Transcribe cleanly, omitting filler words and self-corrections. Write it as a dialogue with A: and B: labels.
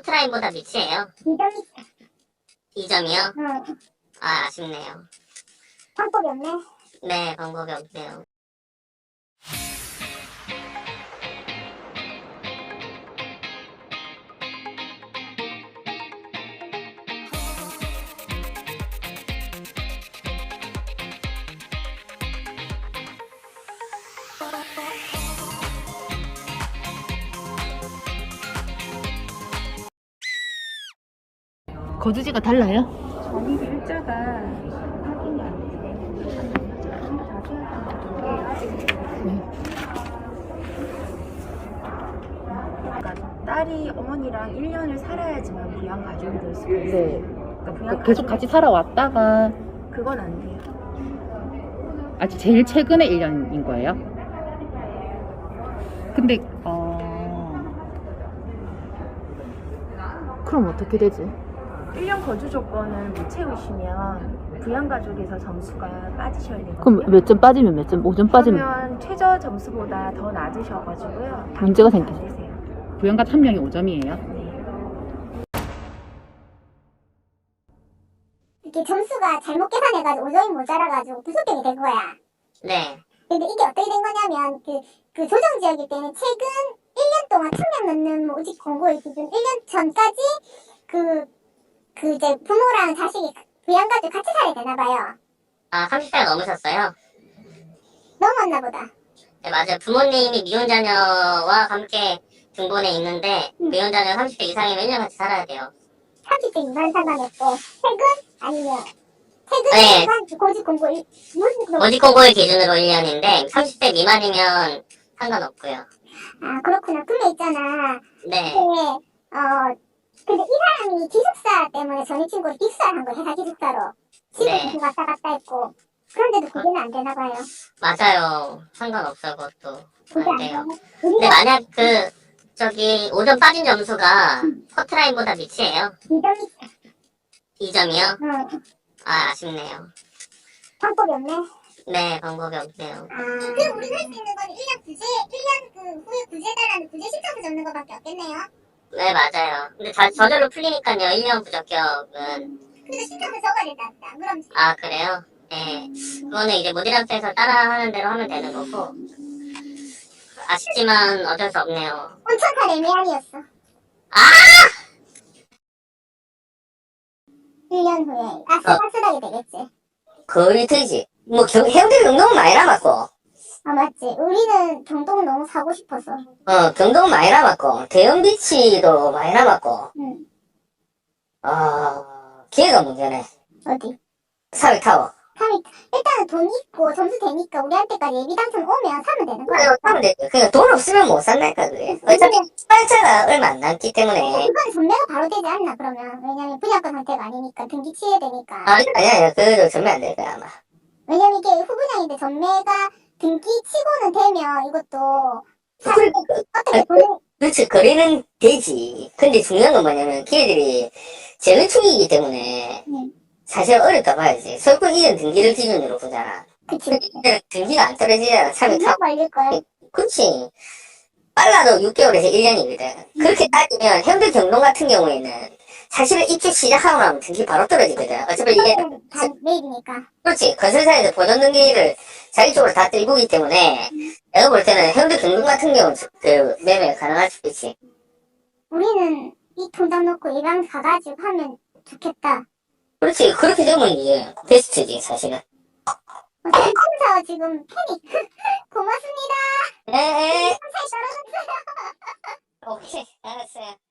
A: 커트라인보다 밑이에요.
B: 2점.
A: 2점이요?
B: 응.
A: 아, 아쉽네요.
B: 방법이 없네.
A: 네, 방법이 없네요.
C: 거주지가 달라요?
D: 전입 일자가 확인이 안 되세요. 그러니까 딸이 어머니랑 1년을 살아야지만 부양 가족이 될 수가 있어요.
C: 네.
D: 그러니까 부양
C: 계속 같이 살아왔다가
D: 그건 안 돼요.
C: 아직 제일 최근에 1년인 거예요? 근데 그럼 어떻게 되지?
D: 1년 거주 조건을 못 채우시면 부양 가족에서 점수가 빠지셔야 되거든요.
C: 그럼 몇 점 빠지면 몇 점? 5점 빠지면
D: 그러면 최저 점수보다 더 낮으셔가지고요.
C: 문제가
D: 안
C: 생기죠.
D: 되세요.
C: 부양가 한 명이 5점이에요?
D: 네.
B: 이렇게 점수가 잘못 계산해가지고 5점이 모자라가지고 부속격이 된 거야.
A: 네.
B: 근데 이게 어떻게 된 거냐면 그 조정지역일 때는 최근 1년 동안 1000명 넘는 모집 공고일 기준 1년 전까지 이제 부모랑 자식이 부양가족 같이 살아야 되나 봐요.
A: 아, 30대가 넘으셨어요?
B: 넘었나 보다.
A: 네, 맞아요. 부모님이 미혼자녀와 함께 등본에 있는데, 미혼자녀 30대 이상이면 1년 같이 살아야 돼요.
B: 30대 미만 상관없고 최근 아니면
A: 네.
B: 최근 고집 공고
A: 모집 공고일 기준으로 1년인데, 30대 미만이면 상관없고요.
B: 아 그렇구나. 근데 있잖아.
A: 네.
B: 근데 이 사람이 기숙사 때문에 전이 친구를 빅사를 한 거야. 회사 기숙사로.
A: 네.
B: 집에 왔다 갔다 했고. 그런데도 그게는 안 되나 봐요.
A: 맞아요. 상관없어요, 그것도.
B: 그게
A: 안
B: 안
A: 돼요.
B: 되나?
A: 근데 만약 5점 빠진 점수가 커트라인보다 밑이에요.
B: 2점이
A: 2점이요?
B: 응.
A: 아, 아쉽네요.
B: 방법이 없네.
A: 네, 방법이 없네요.
B: 그럼 우리가 할 수 있는 건 1년 후에 구제해달라는 구제 신청서 적는 것밖에 없겠네요.
A: 네, 맞아요. 근데 저절로 풀리니까요, 1년 부적격은.
B: 그래서 신청서 적어야 된다. 그럼
A: 아, 그래요? 네. 그거는 이제 모디람스에서 따라하는 대로 하면 되는 거고. 아쉽지만 어쩔 수 없네요.
B: 온천탈 애매한이었어.
A: 아!
B: 1년 후에 아슬아슬하게 되겠지.
E: 거의 되지. 뭐, 해운대 경동은 많이 남았고,
B: 아 맞지. 우리는 경동 너무 사고 싶어서.
E: 경동은 많이 남았고, 대형비치도 많이 남았고,
B: 응.
E: 기회가 문제네.
B: 어디?
E: 사회타워.
B: 일단은 돈 있고 점수 되니까 우리한테까지 예비 당첨 오면 사면 되는 거야.
E: 그래, 사면 되지. 그러니까 돈 없으면 못 산다니까, 그게. 어차피 수발차가 얼마 안 남기 때문에.
B: 그건 전매가 바로 되지 않나 그러면. 왜냐면 분양권 선택 아니니까 등기 취해야 되니까.
E: 아니야, 그거 전면 안 될 거야, 아마.
B: 왜냐면 이게 후분양인데 전매가 등기 치고는 되면 이것도 사실 어떻게 보는
E: 그렇지, 거래는 되지. 근데 중요한 건 뭐냐면, 걔들이 재건축이기 때문에, 사실 어렵다 봐야지. 설국 이전 등기를 기준으로 보잖아.
B: 그치.
E: 근데 등기가 안 떨어지잖아, 차면
B: 분양 걸릴 거야.
E: 그렇지. 빨라도 6개월에서 1년이거든. 그렇게 따지면 현대 경동 같은 경우에는 사실은 입주 시작하고 나면 등기 바로 떨어지거든. 어차피 이게
B: 다 매입이니까.
E: 그렇지. 건설사에서 보존 등기를 자기 쪽으로 다 들고기 때문에 내가 볼 때는 현대 경동 같은 경우는 그 매매 가능할 수 있지.
B: 우리는 이 통장 넣고 예방 가가지고 하면 좋겠다.
E: 그렇지. 그렇게 되면 이제 베스트지 사실은.
B: 검사 지금 패닉. 고맙습니다.
E: 네.
B: 감사히 떨어졌어요.
E: 오케이. 알았어요.